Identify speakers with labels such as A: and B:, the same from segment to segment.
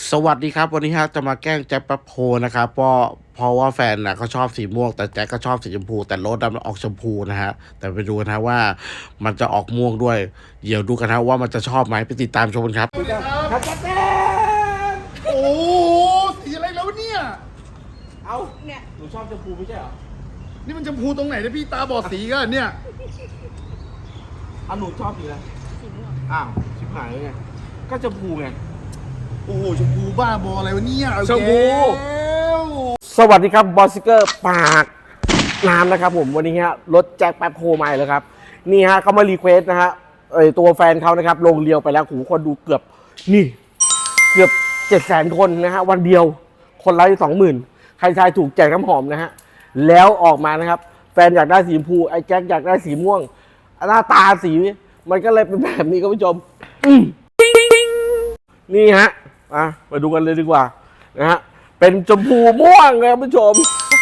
A: สวัสดีครับวันนี้ฮะจะมาแกล้งแจ็คแป๊บโพนะครับเพราะว่าแฟนนะเขาชอบสีม่วงแต่แจ็คก็ชอบสีชมพูแต่รถมันออกชมพูนะฮะแต่ไปดูกันนะว่ามันจะออกม่วงด้วยเดี๋ยวดูกันนะว่ามันจะชอบไหมไปติดตามชมกันครับ
B: ครับแจ๊โอ้สีอะไรแล้วเนี่ย
C: เอาเนี่ยหนูชอบชมพูไม่ใช่เหรอ
B: นี่มันชมพูตรงไหนเนี่ยพี่ตาบอดสีกันเนี่ย
C: หนูชอบสีอะไรสีม่วงอ้าวชิบหายเลยไงก็ชมพูไง
B: โอ้โหชมพูบ้าบออะไรวะเนี่ย
C: ชมพู
A: สวัสดีครับบอสซิเกอร์ปากน้ำนะครับผมวันนี้ฮะรถแจ็คแป๊บโพใหม่เลยครับนี่ฮะเขามารีเควสนะฮะตัวแฟนเขานะครับลงเรียวไปแล้วหูคนดูเกือบ700,000 คนนะฮะวันเดียวคนละ20,000ใครทายถูกแจกน้ำหอมนะฮะแล้วออกมานะครับแฟนอยากได้สีชมพูไอ้แจ็คอยากได้สีม่วงหน้าตาสีมันก็เลยเป็นแบบนี้ครับผู้ชมนี่ฮะมาดูกันเลยดีกว่านะฮะเป็นชมพูม่วงครับผู้ชม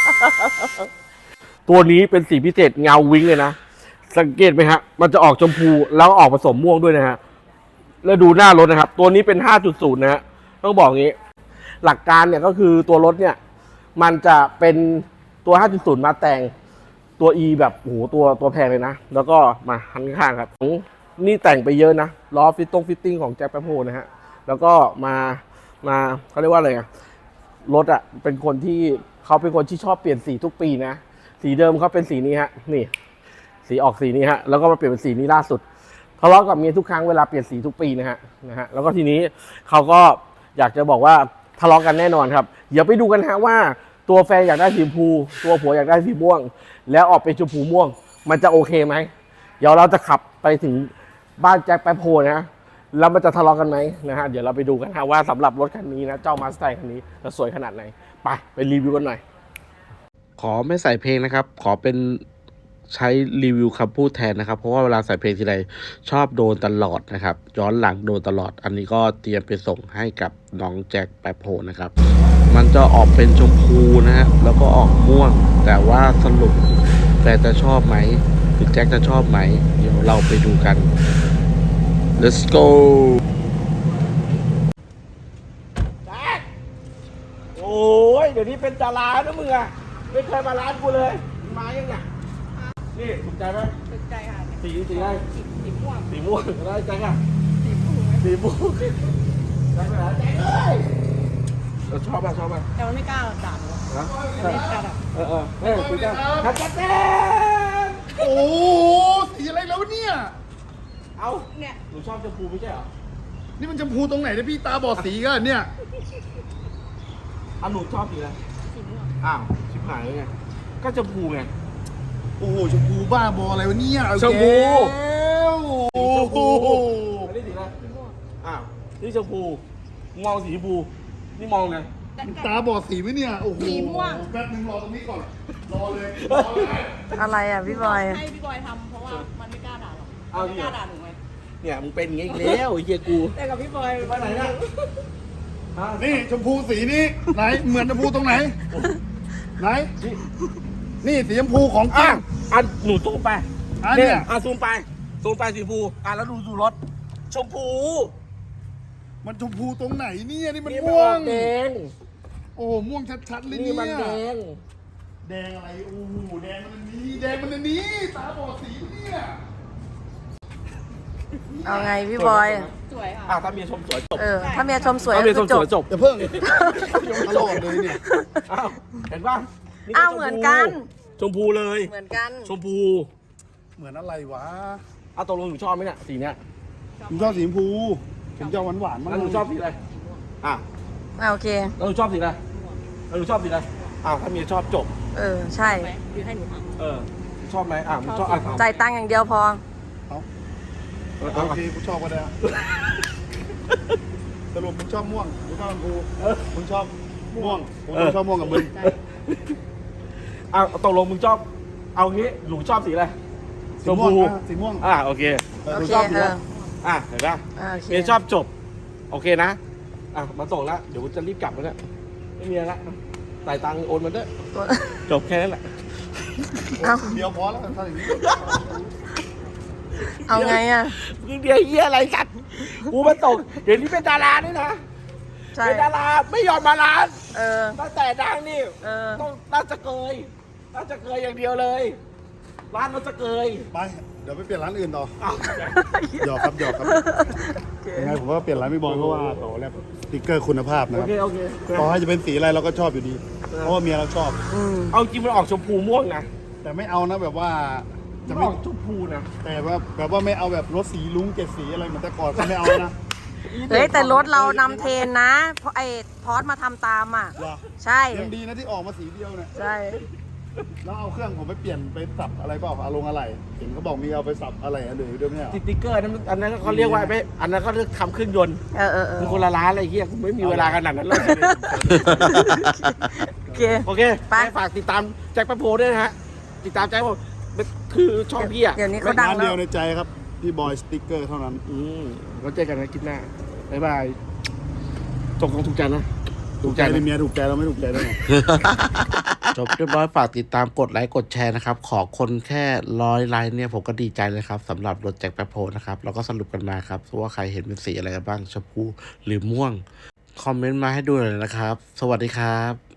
A: ตัวนี้เป็นสีพิเศษเงาวิ้งเลยนะสังเกตไหมฮะมันจะออกชมพูแล้วออกผสมม่วงด้วยนะฮะแล้วดูหน้ารถนะครับตัวนี้เป็น 5.0 นะฮะต้องบอกงี้หลักการเนี่ยก็คือตัวรถเนี่ยมันจะเป็นตัว 5.0 มาแต่งตัว E แบบโอ้โหตัวแพงเลยนะแล้วก็มาหันข้างครับนี่แต่งไปเยอะนะล้อฟิตติ้งของแจ็คแป๊บโฮนะฮะแล้วก็มาเขาเรียกว่าอะไรอะรถอะเป็นคนที่ชอบเปลี่ยนสีทุกปีนะสีเดิมเขาเป็นสีนี้ฮะนี่สีออกสีนี้ฮะแล้วก็มาเปลี่ยนเป็นสีนี้ล่าสุดทะเลาะกับเมียทุกครั้งเวลาเปลี่ยนสีทุกปีนะฮะแล้วก็ทีนี้เขาก็อยากจะบอกว่าทะเลาะกันแน่นอนครับเดี๋ยวไปดูกันฮะว่าตัวแฟนอยากได้สีชมพูตัวผัวอยากได้สีม่วงแล้วออกเป็นชมพูม่วงมันจะโอเคไหมเดี๋ยวเราจะขับไปถึงบ้านแจ็คแป๊บโฮนะแล้วมันจะทะเลาะกันไหมนะฮะเดี๋ยวเราไปดูกันฮะว่าสำหรับรถคันนี้นะเจ้ามาสไตล์คันนี้จะสวยขนาดไหนไปรีวิวกันหน่อยขอไม่ใส่เพลงนะครับขอเป็นใช้รีวิวคำพูดแทนนะครับเพราะว่าเวลาใส่เพลงทีไรชอบโดนตลอดนะครับย้อนหลังโดนตลอดอันนี้ก็เตรียมไปส่งให้กับน้องแจ็คแป๊บโฮนะครับมันจะออกเป็นชมพูนะฮะแล้วก็ออกม่วงแต่ว่าสรุปแฟนจะชอบไหมหรือแจ็คจะชอบไหมเดี๋ยวเราไปดูกัน let's go
C: โอ้ยเดี๋ยวนี้เป็นดารานะมึงอะไม่เคยมาร้านกูเลยมายังไงนี่ถูกใจไหม
D: ถูกใจค่ะ
C: สีอะไร
D: สีม่วง
C: สีม่วงอะไรแจ็คอะ
D: สีม่วง
C: สีม่วงแจ็คไปไหนแจ็คเลยเราชอบป่ะ
D: แต่มันไม่กล้าด่าหรอก
C: นะ
D: ไม่กล้าด่า
C: คุยกันครับแจ็ค
B: โอ้สีอะไรแล้วเนี่ย
C: เอา
D: เนี่ย
C: หนูชอบชมพูไม่ใช่เหรอ
B: นี่มันชมพูตรงไหนเนี่ยพี่ตาบอดสีกันเนี่ย
C: หนูชอบสีอะไร
D: สีม่วง
C: อ้าวชิบหายเลยไงก็ชมพูไง
B: โอ้โหชมพูบ้าบออะไรวะเนี่ย
C: ชมพู
B: โอ้โห
C: อันนี้สีอะไร
D: สีม่วง
C: อ้าวนี่ชมพูมองสีชมพูนี่มองไง
B: ตาบอดสีไหมเนี่ยโอ้โห
D: สีม่วง
B: แป๊บนึงรอตรงนี้ก่อนรอเลย
E: อะไรอ่ะพี่บอย
D: ให้พี่บอยทำเพราะว่ามันไม่กล้าด่าหรอก
C: เอา
D: ไม่
C: ดิ
D: กล้าด่าหนูไง
C: เนี่ยมึงเป็นอย่างงี้อีกแล้วไอ้เหี้ยกู
D: แต่กับพี่บอย
C: ไปไหนนะฮะ
B: นี่ชมพูสีนี้ไหนเหมือนชมพูตรงไหนไหนนี่สีชมพูของจริง
C: หนูซูมไป
B: เนี่ย
C: ซูมไปสีชมพูแล้วดูรถชมพู
B: มันชมพูตรงไหนเนี่ยนี่มัน
C: นี่
B: ม่วง
C: แดง
B: โอ้โหม่วงชัดๆเลย
C: นี่
B: เนี่ย
C: มันแดง
B: แดงอะไรโอ้โหแดงมันอันนี้แดงมันอันนี้ตาบอดสีเนี่ย
E: เอาไงพี่บอย
D: สวยค่ะ
C: ถ้าเมียชมสวยจบ
E: ถ้าเมียชมสวย
C: ถ้าเมียชม
E: ก็
C: สวยจบ
B: อย่าเพิ่งตลอดเลยเนี่ย
C: อ้าวเห็นป่ะ
E: อ้าวเหมือนกัน
C: ชมพูเลย
E: เหมือนกัน
C: ชมพู
B: เหมือนอะไรวะ
C: ตกลงหนูชอบไหมเนี่ยสีเนี้ย
B: ผมชอบสีชมพูผมจะหวานๆมาก
C: แล้วหนูชอบสีอะไร
E: โอเค
C: แล้วหนูชอบสีอะไรแล้วหนูชอบสีอะไรถ้าเมียชอบจบ
E: ใช่
D: ไหมหรือให้หนูทำ
C: ชอบไหมมึงชอบ
E: จ่ายตังค์อย่างเดียวพอ
B: โอเคกูชอบก็ได้สรุปมึงชอบม่วงกูชอบชมพูมึงชอบม่วงผมชอบม่วงกับมึง
C: ตกลงมึงชอบเอางี้หนูชอบสีอะไร
B: สีม่วงสีม่วง
C: โอเคห
E: โอ
C: นู
E: เค
C: ชอบสีอะไรเห็นป่ะ
E: โอเค
C: เมียชอบจบโอเคนะมาส่งแล้วเดี๋ยวจะรีบกลับแล้วเนี่ยไม่มีอะไรละจ่ายตังค์โอนมาด้วยจบแค่นั้นแหละ
E: เอา
B: เดียวพอแล้วถ้าอย่างนี้
E: เอาไงอ่ะ
C: มึงเดียวเฮียอะไรกันกูมาส่งเดี๋ยวนี้เป็นดาราด้วยนะ
E: ใช่
A: เป็นดาราไม่ยอมมาร้าน
E: เออ
A: ตั้งแต่ดังนี่
E: เออ
A: ต้องน่าจะเกยอย่างเดียวเลย ร้านน่าจะเกย
B: ไป เดี๋ยวไปเปลี่ยนร้านอื่นต่อ
A: อ้าว
B: หยอกครับหยอกครับยังไงผมว่าเปลี่ยนร้านไม่บอยเพราะว่าต่อแล้วสติ๊กเกอร์คุณภาพนะ
A: โอ
B: ครับ
A: เคโอเค
B: ต่อให้จะเป็นสีอะไรเราก็ชอบอยู่ดี เพราะว่าเมียเราชอบ
A: เอาจริงมันออกชมพูม่วงนะ
B: แต่ไม่เอานะแบบว่า
A: จะ
B: จะ
A: ไม่
B: ไม่
A: ออกชมพูนะ
B: แต่ว่าแบบว่าไม่เอาแบบรถสีลุ้งเจ็ดสีอะไรเหมือนแต่ก่อนก็ไม่เอานะ
E: เฮ้ยแต่รถเรานำเทรนนะ เพราะไอ้พอสมาทำตามอ่ะ
B: เหรอ
E: ใช่
B: ยังดีนะที่ออกมาสีเดียวเนี่ย
E: ใช่
B: แล้วเอาเครื่องผมไปเปลี่ยนไปสับอะไรเปล่าอารมณ์อะไรเห็นเขาบอกมีเอาไปสับอะไรหรือด้วยไม่เอา
A: สติ๊กเกอร์นั้นอันนั้นเขาเรียกว่าไม่อันนั้นเขาเรียกทำเครื่องยนต์
E: เออ
A: มันคนละร้านอะไรเงี้ยกูไม่มีเวลาขนาดนั้นเลย
E: โอเค
A: โอเค
E: ไป
A: ฝากติดตามแจ็คแป๊บโพด้วยนะฮะ ติดตามแจ็คผมคือช่องพี่อ่ะ
E: เดี๋ยวนี้เขาดัง
B: ร้าน
E: แล้
B: เดียว
E: ว
B: ในใจครับพี่บอยสติ๊กเกอร์เท่านั้น
A: เราเจอกันนะคลิปหน้า บ๊ายบายตกลงถูกใจนะ
B: ถูกใจในเมียถูกใจเราไม่ถูกใจได้ไง
C: จบเรียบร้อยฝากติดตามกดไลค์กดแชร์นะครับ ขอคนแค่100 ไลค์เนี่ยผมก็ดีใจเลยครับสำหรับรถแจ็คแป๊บโพนะครับเราก็สรุปกันมาครับว่าใครเห็นเป็นสีอะไรกันบ้างชมพูหรือม่วง คอมเมนต์มาให้ดูหน่อยนะครับ สวัสดีครับ